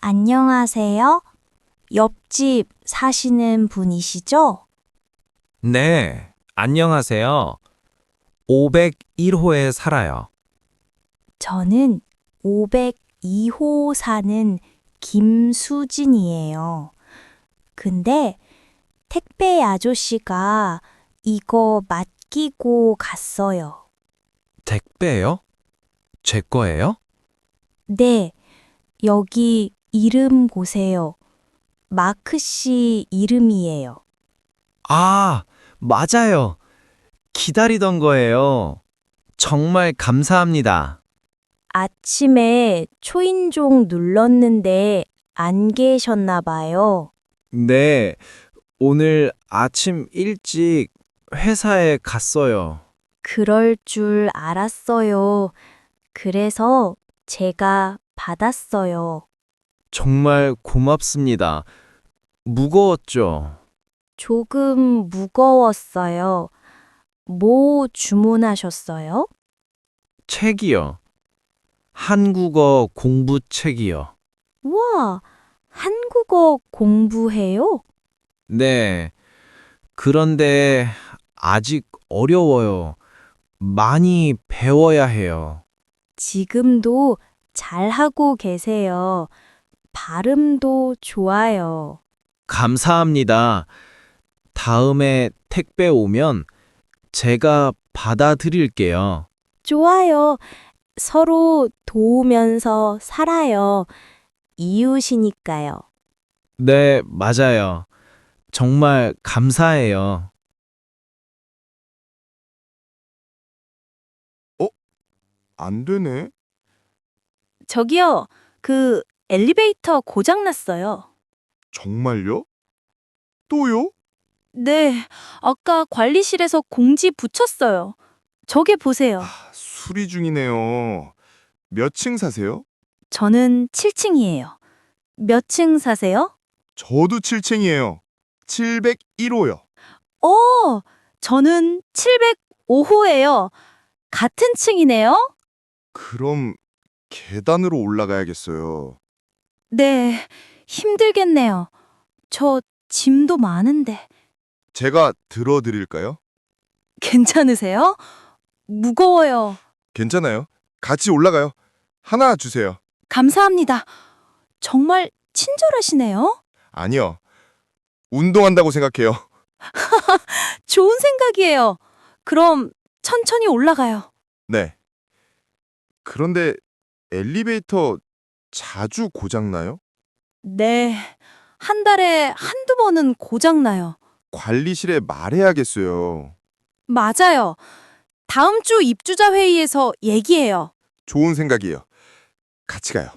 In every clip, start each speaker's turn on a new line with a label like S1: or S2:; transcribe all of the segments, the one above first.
S1: 안녕하세요. 옆집 사시는 분이시죠?
S2: 네, 안녕하세요. 501호에 살아요.
S1: 저는 502호 사는 김수진이에요. 근데 택배 아저씨가 이거 맡기고 갔어요.
S2: 택배요? 제 거예요?
S1: 네, 여기 이름 보세요. 마크 씨 이름이에요.
S2: 아, 맞아요. 기다리던 거예요. 정말 감사합니다.
S1: 아침에 초인종 눌렀는데 안 계셨나 봐요.
S2: 네, 오늘 아침 일찍 회사에 갔어요.
S1: 그럴 줄 알았어요. 그래서 제가 받았어요.
S2: 정말 고맙습니다. 무거웠죠?
S1: 조금 무거웠어요. 뭐 주문하셨어요?
S2: 책이요. 한국어 공부 책이요.
S1: 와, 한국어 공부해요?
S2: 네, 그런데 아직 어려워요. 많이 배워야 해요.
S1: 지금도 잘하고 계세요. 발음도 좋아요.
S2: 감사합니다. 다음에 택배 오면 제가 받아드릴게요.
S1: 좋아요. 서로 도우면서 살아요. 이웃이니까요.
S2: 네, 맞아요. 정말 감사해요.
S3: 안 되네.
S1: 저기요, 그 엘리베이터 고장났어요.
S3: 정말요? 또요?
S1: 네, 아까 관리실에서 공지 붙였어요. 저게 보세요.
S3: 수리 중이네요. 몇 층 사세요?
S1: 저는 7층이에요. 몇 층 사세요?
S3: 저도 7층이에요. 701호요.
S1: 저는 705호예요. 같은 층이네요?
S3: 그럼 계단으로 올라가야겠어요.
S1: 네, 힘들겠네요. 저 짐도 많은데.
S3: 제가 들어드릴까요?
S1: 괜찮으세요? 무거워요.
S3: 괜찮아요. 같이 올라가요. 하나 주세요.
S1: 감사합니다. 정말 친절하시네요.
S3: 아니요. 운동한다고 생각해요.
S1: 좋은 생각이에요. 그럼 천천히 올라가요.
S3: 네. 그런데 엘리베이터 자주 고장나요?
S1: 네, 한 달에 한두 번은 고장나요.
S3: 관리실에 말해야겠어요.
S1: 맞아요. 다음 주 입주자 회의에서 얘기해요.
S3: 좋은 생각이에요. 같이 가요.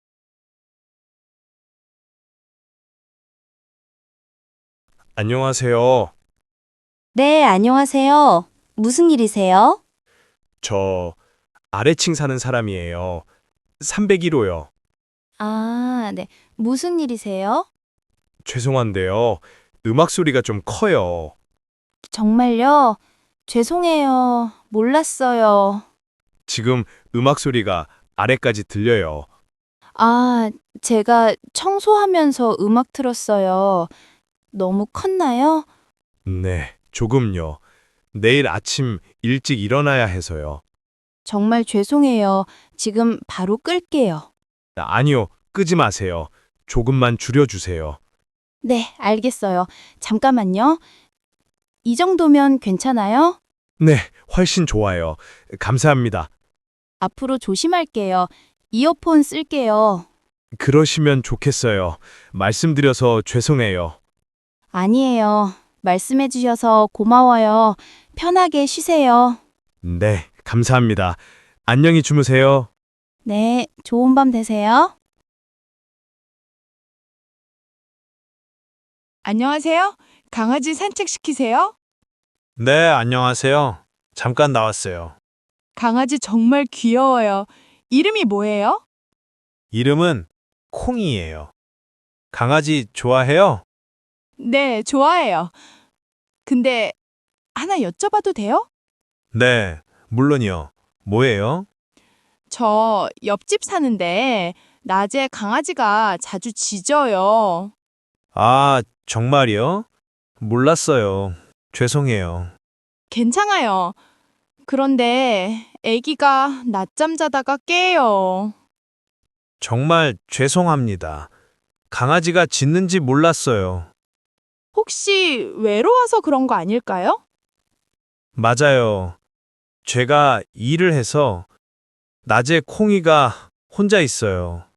S4: 안녕하세요.
S1: 네, 안녕하세요. 무슨 일이세요?
S4: 저 아래층 사는 사람이에요. 301호요.
S1: 아, 네. 무슨 일이세요?
S4: 죄송한데요. 음악 소리가 좀 커요.
S1: 정말요? 죄송해요. 몰랐어요.
S4: 지금 음악 소리가 아래까지 들려요.
S1: 아, 제가 청소하면서 음악 틀었어요. 너무 컸나요?
S4: 네, 조금요. 내일 아침 일찍 일어나야 해서요.
S1: 정말 죄송해요. 지금 바로 끌게요.
S4: 아니요, 끄지 마세요. 조금만 줄여주세요.
S1: 네, 알겠어요. 잠깐만요. 이 정도면 괜찮아요?
S4: 네, 훨씬 좋아요. 감사합니다.
S1: 앞으로 조심할게요. 이어폰 쓸게요.
S4: 그러시면 좋겠어요. 말씀드려서 죄송해요.
S1: 아니에요. 말씀해 주셔서 고마워요. 편하게 쉬세요.
S4: 네, 감사합니다. 안녕히 주무세요.
S1: 네, 좋은 밤 되세요.
S5: 안녕하세요. 강아지 산책시키세요?
S4: 네, 안녕하세요. 잠깐 나왔어요.
S5: 강아지 정말 귀여워요. 이름이 뭐예요?
S4: 이름은 콩이에요. 강아지 좋아해요?
S5: 네, 좋아해요. 근데 하나 여쭤봐도 돼요?
S4: 네, 물론이요. 뭐예요?
S5: 저 옆집 사는데 낮에 강아지가 자주 짖어요.
S4: 아, 정말이요? 몰랐어요. 죄송해요.
S5: 괜찮아요. 그런데 아기가 낮잠 자다가 깨요.
S4: 정말 죄송합니다. 강아지가 짖는지 몰랐어요.
S5: 혹시 외로워서 그런 거 아닐까요?
S4: 맞아요. 제가 일을 해서 낮에 콩이가 혼자 있어요.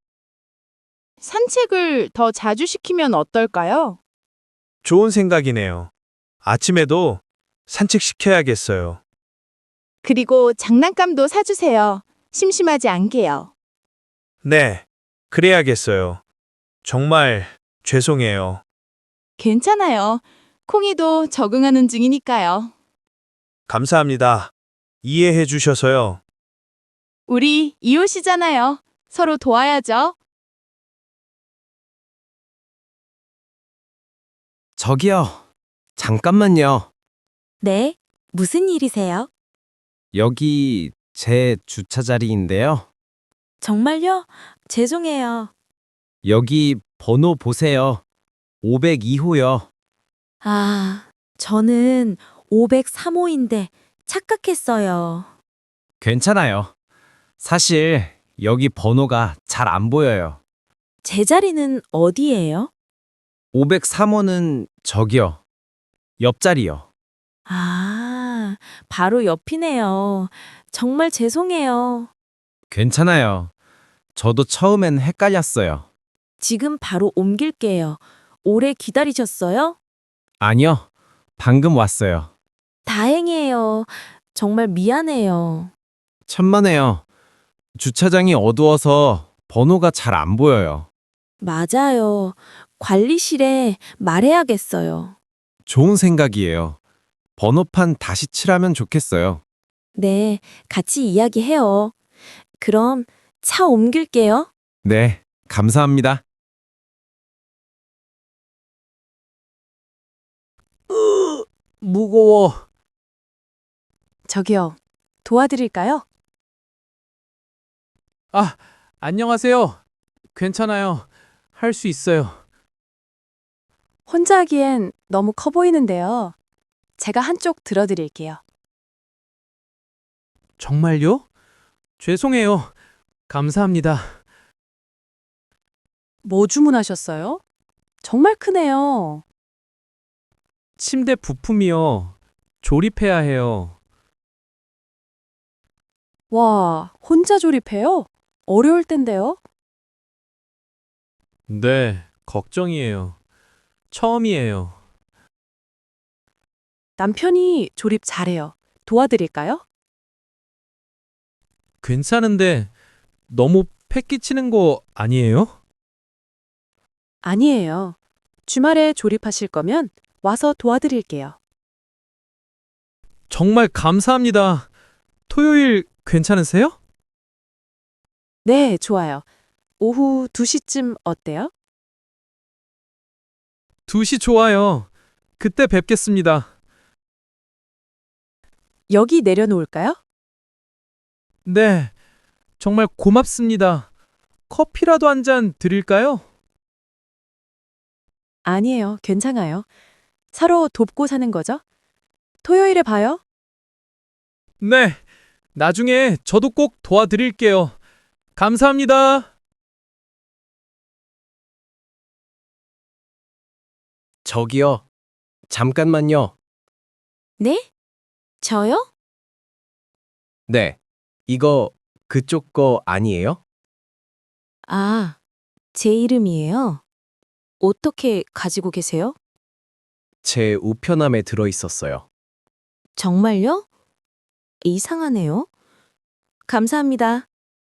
S5: 산책을 더 자주 시키면 어떨까요?
S4: 좋은 생각이네요. 아침에도 산책시켜야겠어요.
S5: 그리고 장난감도 사주세요. 심심하지 않게요.
S4: 네, 그래야겠어요. 정말 죄송해요.
S5: 괜찮아요. 콩이도 적응하는 중이니까요.
S4: 감사합니다. 이해해 주셔서요.
S5: 우리 이웃이잖아요. 서로 도와야죠.
S2: 저기요. 잠깐만요.
S1: 네, 무슨 일이세요?
S2: 여기 제 주차 자리인데요.
S1: 정말요? 죄송해요.
S2: 여기 번호 보세요. 502호요.
S1: 아, 저는 503호인데 착각했어요.
S2: 괜찮아요. 사실 여기 번호가 잘 안 보여요.
S1: 제 자리는 어디예요?
S2: 503호는 저기요. 옆자리요.
S1: 아, 바로 옆이네요. 정말 죄송해요.
S2: 괜찮아요. 저도 처음엔 헷갈렸어요.
S1: 지금 바로 옮길게요. 오래 기다리셨어요?
S2: 아니요. 방금 왔어요.
S1: 다행이에요. 정말 미안해요.
S2: 천만에요. 주차장이 어두워서 번호가 잘 안 보여요.
S1: 맞아요. 관리실에 말해야겠어요.
S2: 좋은 생각이에요. 번호판 다시 칠하면 좋겠어요.
S1: 네, 같이 이야기해요. 그럼 차 옮길게요.
S2: 네, 감사합니다. 무거워.
S5: 저기요. 도와드릴까요?
S6: 아, 안녕하세요. 괜찮아요. 할 수 있어요.
S5: 혼자 하기엔 너무 커 보이는데요. 제가 한쪽 들어드릴게요.
S6: 정말요? 죄송해요. 감사합니다.
S5: 뭐 주문하셨어요? 정말 크네요.
S6: 침대 부품이요. 조립해야 해요.
S5: 와, 혼자 조립해요? 어려울 텐데요.
S6: 네, 걱정이에요. 처음이에요.
S5: 남편이 조립 잘해요. 도와드릴까요?
S6: 괜찮은데 너무 패 끼치는 거 아니에요?
S5: 아니에요. 주말에 조립하실 거면 와서 도와드릴게요.
S6: 정말 감사합니다. 토요일 괜찮으세요?
S5: 네, 좋아요. 오후 2시쯤 어때요?
S6: 2시 좋아요. 그때 뵙겠습니다.
S5: 여기 내려놓을까요?
S6: 네, 정말 고맙습니다. 커피라도 한 잔 드릴까요?
S5: 아니에요. 괜찮아요. 서로 돕고 사는 거죠? 토요일에 봐요.
S6: 네, 나중에 저도 꼭 도와드릴게요. 감사합니다.
S2: 저기요. 잠깐만요.
S1: 네? 저요?
S2: 네. 이거 그쪽 거 아니에요?
S1: 아, 제 이름이에요. 어떻게 가지고 계세요?
S2: 제 우편함에 들어 있었어요.
S1: 정말요? 이상하네요. 감사합니다.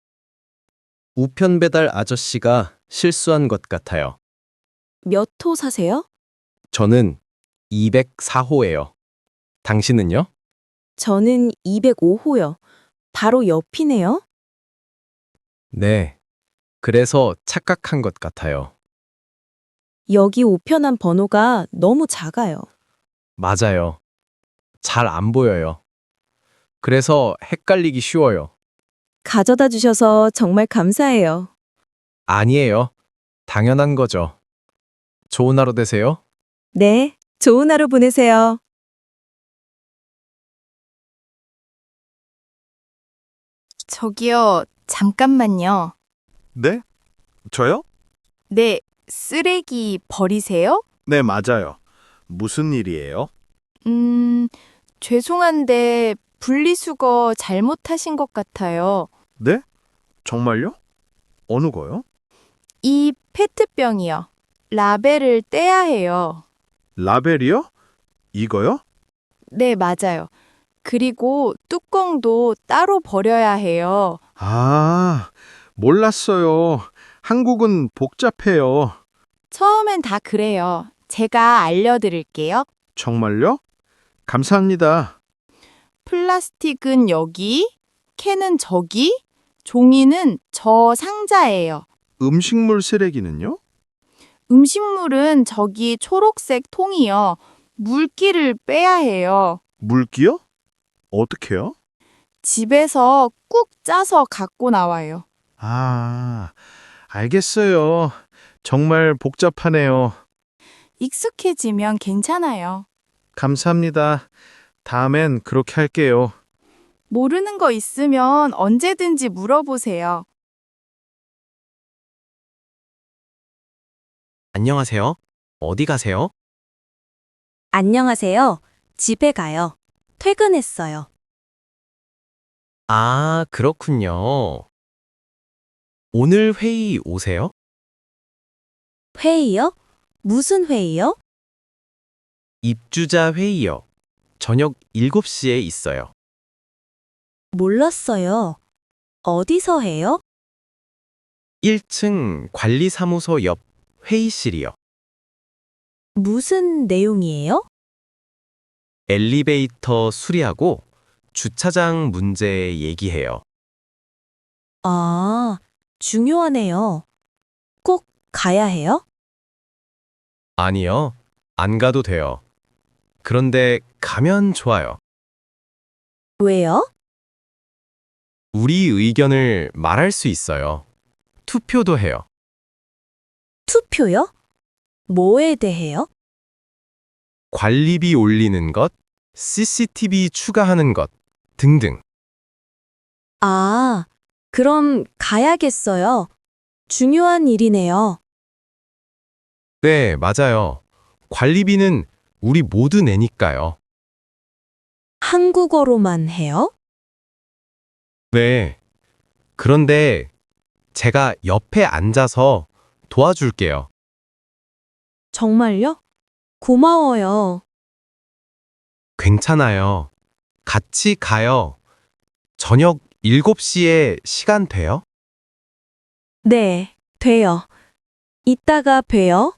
S2: 우편 배달 아저씨가 실수한 것 같아요.
S1: 몇 호 사세요?
S2: 저는 204호예요. 당신은요?
S1: 저는 205호요. 바로 옆이네요.
S2: 네. 그래서 착각한 것 같아요.
S1: 여기 우편함 번호가 너무 작아요.
S2: 맞아요. 잘 안 보여요. 그래서 헷갈리기 쉬워요.
S1: 가져다 주셔서 정말 감사해요.
S2: 아니에요. 당연한 거죠. 좋은 하루 되세요.
S1: 네, 좋은 하루 보내세요.
S7: 저기요, 잠깐만요.
S4: 네? 저요?
S7: 네, 쓰레기 버리세요?
S4: 네, 맞아요. 무슨 일이에요?
S7: 죄송한데 분리수거 잘못하신 것 같아요.
S4: 네? 정말요? 어느 거요?
S7: 이 페트병이요. 라벨을 떼야 해요.
S4: 라벨이요? 이거요?
S7: 네, 맞아요. 그리고 뚜껑도 따로 버려야 해요.
S4: 아, 몰랐어요. 한국은 복잡해요.
S7: 처음엔 다 그래요. 제가 알려드릴게요.
S4: 정말요? 감사합니다.
S7: 플라스틱은 여기, 캔은 저기, 종이는 저 상자예요.
S4: 음식물 쓰레기는요?
S7: 음식물은 저기 초록색 통이요. 물기를 빼야 해요.
S4: 물기요? 어떻게요?
S7: 집에서 꾹 짜서 갖고 나와요.
S4: 아, 알겠어요. 정말 복잡하네요.
S7: 익숙해지면 괜찮아요.
S4: 감사합니다. 다음엔 그렇게 할게요.
S7: 모르는 거 있으면 언제든지 물어보세요.
S2: 안녕하세요. 어디 가세요?
S1: 안녕하세요. 집에 가요. 퇴근했어요.
S2: 아, 그렇군요. 오늘 회의 오세요?
S1: 회의요? 무슨 회의요?
S2: 입주자 회의요. 저녁 7시에 있어요.
S1: 몰랐어요. 어디서 해요?
S2: 1층 관리사무소 옆 회의실이요.
S1: 무슨 내용이에요?
S2: 엘리베이터 수리하고 주차장 문제 얘기해요.
S1: 아, 중요하네요. 꼭 가야 해요?
S2: 아니요. 안 가도 돼요. 그런데 가면 좋아요.
S1: 왜요?
S2: 우리 의견을 말할 수 있어요. 투표도 해요.
S1: 투표요? 뭐에 대해요?
S2: 관리비 올리는 것, CCTV 추가하는 것 등등.
S1: 아, 그럼 가야겠어요. 중요한 일이네요.
S2: 네, 맞아요. 관리비는 우리 모두 내니까요.
S1: 한국어로만 해요?
S2: 네. 그런데 제가 옆에 앉아서 도와줄게요.
S1: 정말요? 고마워요.
S2: 괜찮아요. 같이 가요. 저녁 7시에 시간 돼요?
S1: 네, 돼요. 이따가 봬요.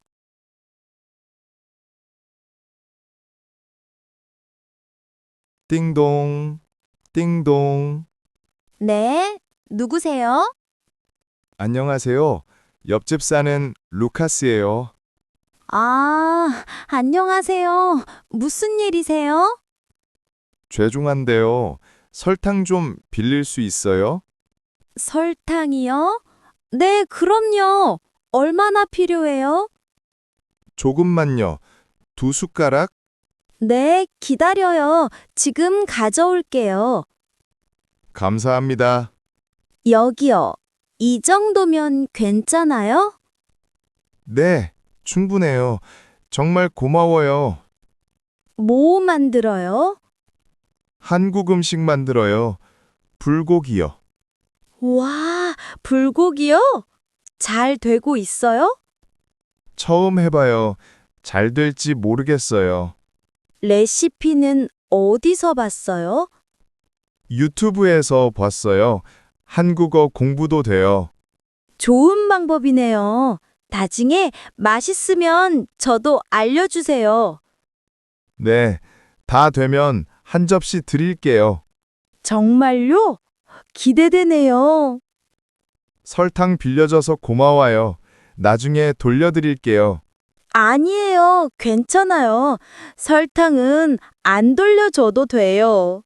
S3: 띵동, 띵동.
S5: 네, 누구세요?
S3: 안녕하세요. 옆집 사는 루카스예요.
S5: 아, 안녕하세요. 무슨 일이세요?
S3: 죄송한데요. 설탕 좀 빌릴 수 있어요?
S5: 설탕이요? 네, 그럼요. 얼마나 필요해요?
S3: 조금만요. 2숟가락?
S5: 네, 기다려요. 지금 가져올게요.
S3: 감사합니다.
S5: 여기요. 이 정도면 괜찮아요?
S3: 네, 충분해요. 정말 고마워요.
S5: 뭐 만들어요?
S3: 한국 음식 만들어요. 불고기요.
S5: 와, 불고기요? 잘 되고 있어요?
S3: 처음 해봐요. 잘 될지 모르겠어요.
S5: 레시피는 어디서 봤어요?
S3: 유튜브에서 봤어요. 한국어 공부도 돼요.
S5: 좋은 방법이네요. 나중에 맛있으면 저도 알려주세요.
S3: 네, 다 되면 한 접시 드릴게요.
S5: 정말요? 기대되네요.
S3: 설탕 빌려줘서 고마워요. 나중에 돌려드릴게요.
S5: 아니에요. 괜찮아요. 설탕은 안 돌려줘도 돼요.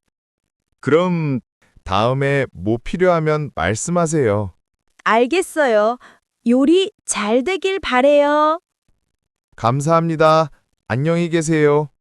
S3: 그럼 다음에 뭐 필요하면 말씀하세요.
S5: 알겠어요.
S1: 요리 잘 되길 바래요.
S3: 감사합니다. 안녕히 계세요.